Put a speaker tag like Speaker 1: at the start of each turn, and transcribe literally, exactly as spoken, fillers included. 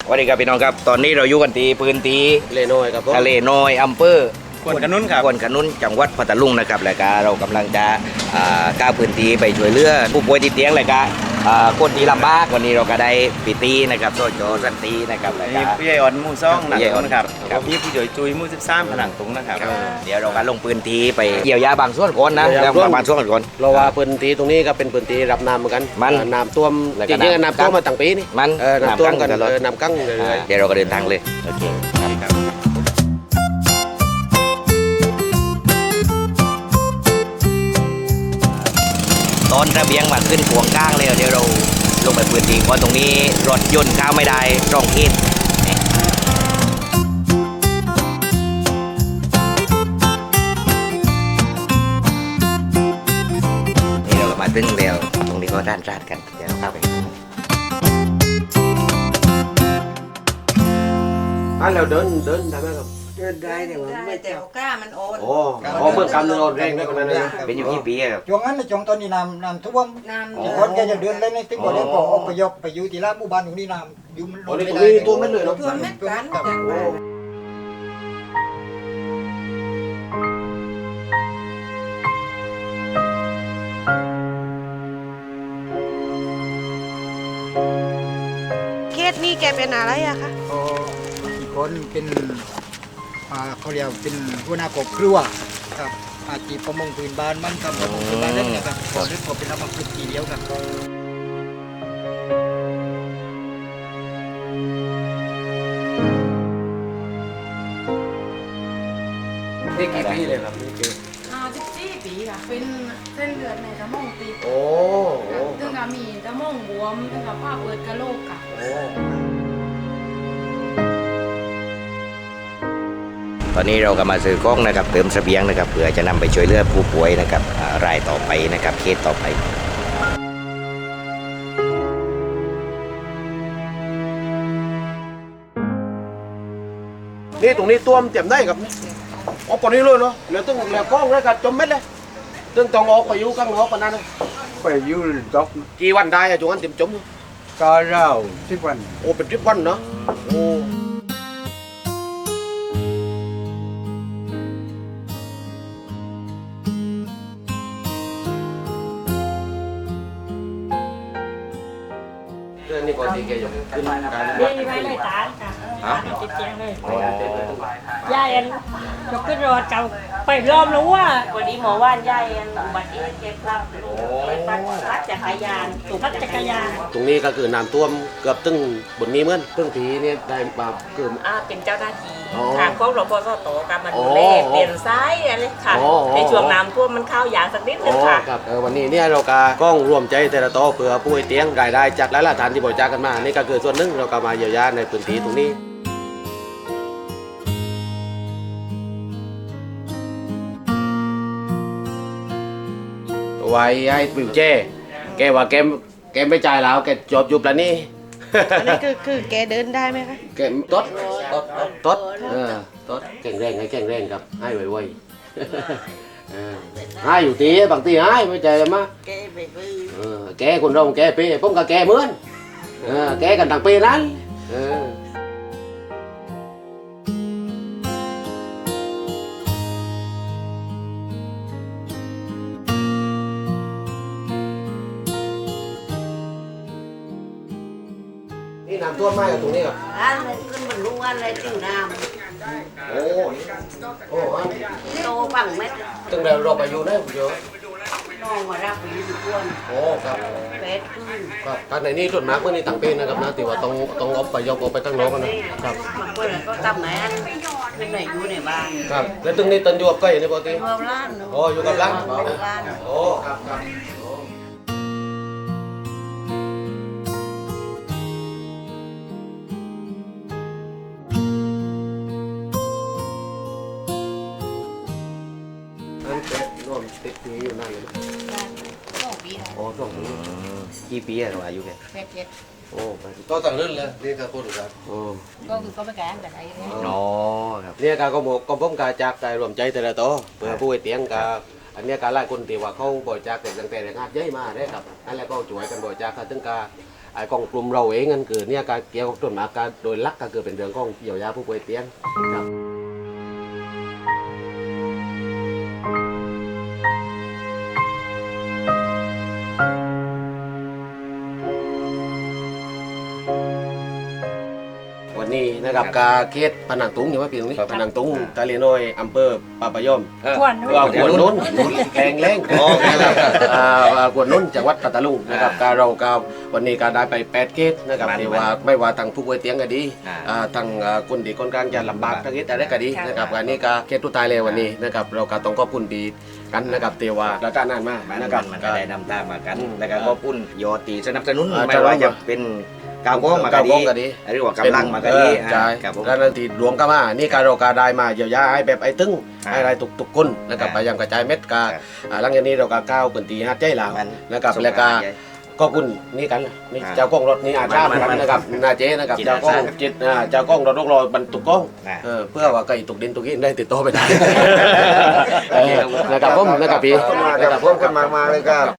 Speaker 1: วัสดีครับพี่น้องครับตอนนี้เราอยู่กันที่พื้นที่
Speaker 2: ทะเลน้อยครับผม
Speaker 1: ทะเลน้อยอำเภอ
Speaker 3: ควนขนุนครับ
Speaker 1: ควนขนุนจังหวัดพัทลุงนะครับแล้วก็เรากำลังจะอ่าก้าวพื้นที่ไปช่วยเหลือผู้ป่วยติดเตียงเลยก็อ่าคนที่ลำบากวันนี้เราก็ได้ปีตีนะครับโซโจสันตีนะครับแล้ว
Speaker 3: มี
Speaker 1: ก็
Speaker 3: ผู้ใหญ่อ่อนหมู่ซ่องหนัง
Speaker 1: ผู้ใหญ่อ่
Speaker 3: ตุ
Speaker 1: อน
Speaker 3: งนะครับ
Speaker 1: ครับ
Speaker 3: มีผู้ใหญ่จุยหมู่สิบสามผนังตุงนะครับ
Speaker 1: เดี๋ยวเราก็ลงพื้นที่ไปเกี่ยวยาบางส่วนก่อนนะแล้วบางส่วนก่อน
Speaker 2: เราว่าพื้นที่ตรงนี้ก็เป็นพื้นที่รับน้ำเหมือนกัน
Speaker 1: มัน
Speaker 2: เอ่อน้ำท่วม
Speaker 1: แล้ว
Speaker 2: จ
Speaker 1: ก็
Speaker 2: ริงๆ
Speaker 1: น้ำ
Speaker 2: น้ำท่วมมาตั้งปีนี่
Speaker 1: มัน
Speaker 2: เออน้ำท่วมกัน
Speaker 1: น้ำกั้งตลอด
Speaker 2: เออน้ำกั้งเรื่อย
Speaker 1: เดี๋ยวเราก็เดินทางเลยโอเคครับตอนระเบียงมาขึ้นขวงก้างเลยเดี๋ยวเราลงไปพื้นที่ก่อนตรงนี้รถยนต์เข้าไม่ได้ร่องเขตนี่เราก็มาถึงแล้วตรงนี้ก็ด้านราดกันเดี๋ยวเราเข้าไป
Speaker 2: ๆอ่ะเราเดินเดินได้ไหมครับ
Speaker 4: เดินได้แต่ว่าไม่
Speaker 5: แต่
Speaker 4: เจ้า
Speaker 5: ก้ามันโอน
Speaker 2: โอ้โอ้เมื่อกำเนิดแรงได้ขนาดนั้นนะ
Speaker 1: เป็นอยู่กี่ปีครับ
Speaker 4: ช่วงนั้นในช่วงตอนนี้น้ำน้ำท่วม
Speaker 5: น้ำ
Speaker 4: ที่คนแกจะเดินเล่นในติ๊กบอกเลยพอออกไปยกไปอยู่ที่ร้านหมู่บ้านตรงนี้น้ำอยู่มันล
Speaker 2: โอ้
Speaker 4: ง
Speaker 2: นี่
Speaker 4: ไม่
Speaker 2: ตรง
Speaker 4: ได้
Speaker 2: นี้ตัวเม็ดเลยเนาะ
Speaker 5: ตัวเม็ดกัน
Speaker 4: ครับ
Speaker 2: โอ้
Speaker 5: เคสนี้แกเป็นอะไรอะคะ
Speaker 4: พออีกคนเป็นอ่าเขาเรียกเป็นหัวหน้ากบครัวครับอาชีพประมงพื้นบ้านมันทำประมงพื้นบ้านเล่นนะครับพอเล่นพอเป็นรับมาพื้นทีเดียวครับ
Speaker 2: นี่กี่ปีเลยครับนี่กี่
Speaker 6: อ่าสิบสี่ปีค่ะ เป็นเส้นเลือดในสมองตีบ
Speaker 2: โอ้โอ้
Speaker 6: ถึงกับมีสมองบวมถึงกับผ้าเปิดกระโหลกค่ะ
Speaker 2: โอ้
Speaker 1: ตอนนี้เราก็มาซื้อกล้องนะครับเติมเสบียงนะครับเพื่อจะนำไปช่วยเหลือผู้ป่วยนะครับอ่ารายต่อไปนะครับเคสต่อไป
Speaker 2: นี่ตรงนี้ตัวมนเจ็บได้ครับออกปนนี้เลยเนาะเหลือตึ้งเหลือกล้องแล้วก็จมเม็ดเลยตึ้งต้องออกไปอยู่ข้างนอกปานนั้นเลย
Speaker 7: ไปอยูดอก
Speaker 2: กี่วันได้อะช่วงนั้นเต็มจม
Speaker 7: กาเล่าสิบวัน
Speaker 2: โอ้เป็นทริปวันเนาะโอ้เรื่องนี้ก่อนที่แกจะขึ้นการ
Speaker 8: นี่ไว้เลยตาค่ะ
Speaker 1: ฮะ
Speaker 8: ติดเตียงเลย
Speaker 1: อ๋อ
Speaker 8: ยายอันยกขึ้นรถเก่าไปรอบแล้วว่าวันนี้หมอว่านยายอันอุบัติเหตุเจ็บพลัดลูกไปปั่นรถจักรยานถูกรถจักรยาน
Speaker 2: ตรงนี้ก็คือน้ำท่วมเกือบตึ้งบนนี้เหมือนตึ้งทีเนี่ยได้มาเกือบ
Speaker 8: อ่าเป็นเจ้าหน้าที่
Speaker 2: อ๋อ
Speaker 8: ทางของรพสตการมาดูแล
Speaker 2: อ๋อ
Speaker 8: เปลี่ยนซ้ายอะไรค่ะ
Speaker 2: อ๋อ
Speaker 8: ในช่วงน้ำท่วมมันเข้ายางสักนิดนึ
Speaker 2: อ๋
Speaker 8: ง
Speaker 2: อ
Speaker 8: ค่ะ
Speaker 2: ครับเออวันนี้เนี่ยเราก็กล้องรวมใจแต่ละโต๊ะเพื่อผู้ป่วยเตียงรายได้จากหลายๆฐานที่บริจาคกันมานี่ก็คือส่วนหนึ่งเราก็มาเยียวยาในพื้นที่ตรงนี้ไว้ให้ปิวเจ้แกว่าแกแกไม่จ่ายแล้วแกจบอยู่ปแล้วนี่
Speaker 5: อันนี้คือคือแกเดินได้ไหมคะ
Speaker 2: แกตดตดตดเออตดแข็งแรงให้แข็งแรงครับให้ไวๆเออให้อยู่ตีบางทีให้ไม่ใจเลยมั้ย
Speaker 5: แกไปซื้อ
Speaker 2: เออแกคนเราแกเป้ผมกับแกเหมือนเออแกกันต่างเป้นั้นเออนี่น้ำท่วมไหมกับตรงนี้ครับ
Speaker 5: ร้านมันขึ้นบรรลุวันอะไรจิ้วน้
Speaker 2: โอ้โอ้อัน
Speaker 5: ำโตบังเม็ด
Speaker 2: ตั้งแต่เราไปอยู่นะคุณโย
Speaker 5: น้องมารับไปอยู่ทุกวัน
Speaker 2: โอ้ครับ
Speaker 5: เป็ดขึ้น
Speaker 2: ครับการในนี้ส่วนมากเมื่อนี้ต่างเป็นนะครับนะที่ว่าต้องต้องเอาไปยกเอาไปตั้งโลกันนะครับ
Speaker 5: บางคนก็ทำไหนขึ้นไหนอยู่ในบ้าน
Speaker 2: ครับแล้วตึงนี้ตันอยู่กับใกล้นี่ปกติ
Speaker 5: อยู่กับร้าน
Speaker 2: โอ้อยู่กับร้าน
Speaker 5: อยู่กับร้าน
Speaker 2: โอ้ครับครับโอ้นั่นเป็ดร่วมติดนี้อยู่นั่นเลยนะ
Speaker 5: สองปีแล้ว
Speaker 2: โอ้ช่วงนี้
Speaker 1: กี่ปีอะเราอายุแก
Speaker 5: เป็ดเจ็ด
Speaker 2: โอ้ไปก็ต่างเรื่องเลยนี่ก็พูดกันโอ้
Speaker 5: ก็คือก็ไม่แก่แต่ไหนเลย
Speaker 1: อ๋อครับ
Speaker 2: เนี่ยการก็บอกก็ผมการจากการรวมใจแต่ละโต๊ะเพื่อผู้ไอเตียงกับอันเนี้ยการไล่คนที่ว่าเขาบริจาคแต่ตั้งแต่แรงงานเยอะมาได้ครับอันแล้วก็ช่วยกันบริจาคถึงการอ้กองกลุ่มเราเองนั่นคือเนี่ยการเกี่ยวกับต้นหมากการโดยหลักก็คือเป็นเรื่องของเยียวยาผู้ป่วยเตียงครับ วันนี้นะครับกาเขตพนังตุงอยู่ว่าปีตรงนี้พนังตุงกาเลียน้อยอำเภอปาปะยอม
Speaker 8: ขวนนู้น
Speaker 2: ว่าขวดนุ่นแรงแรงนะครับอ่าขวดนุ่นจังหวัดปัตตานีนะครับการเรากาวันนี้การได้ไปแปดเขตนะครับที่ว่าไม่ว่าทางผู้ป่วยเตียงก็ดีอ่าทางอ่าคนดีคนกลางจะลำบากทางนี้แต่ได้ก็ดีนะครับการนี้ก็เขตตุตายเลยวันนี้นะครับเราก็ต้องขอบคุณดีกันนะครับเทว่าแล้วก็นานมาก
Speaker 1: มัน
Speaker 2: นะครับ
Speaker 1: มันก็ได้นำตามมากัน
Speaker 2: อืม
Speaker 1: แล้วก็ก็ปุ้นยอตีสนับสนุน
Speaker 2: อ่า
Speaker 1: ไม่ว่าจะเป็นกาวก้องมาก็
Speaker 2: ก้าวก้องก็ดี
Speaker 1: ดีหรือว่ากำลังมาก็ดี
Speaker 2: ใช่
Speaker 1: ครับผม
Speaker 2: แล้วนั่นที่รวมกันมานี่การเราการได้มาเยียวยาให้แบบไอ้ตึ้งให้อะไรตุกตุกคนนะครับพยายามกระจายเม็ดกา
Speaker 1: ครับ
Speaker 2: อ่าหลังจากนี้เราก็ก้าวเป็นตีฮัดใจหลัง
Speaker 1: มัน
Speaker 2: นะครับ
Speaker 1: ส่ง
Speaker 2: แล้วก็
Speaker 1: มาใหญ่
Speaker 2: ก็คุณนี่กันล่ะนี่
Speaker 1: อ่า
Speaker 2: เจ้ากล้องรถนี่อาชาเหมือนกันนะครับนาเจนะครับ
Speaker 1: จิต
Speaker 2: เจ้า
Speaker 1: อาสา
Speaker 2: กล้องจิตอ่าเจ้ากล้องรถลูกรอบรรทุกกล้อง
Speaker 1: อ่า
Speaker 2: เออเพื่อว่าไก่ตกดินตกหินได้ติดต่อไปได้เออนะครับผมนะครับพี่นะครับผม
Speaker 7: ขึ้นมามาเลยครับ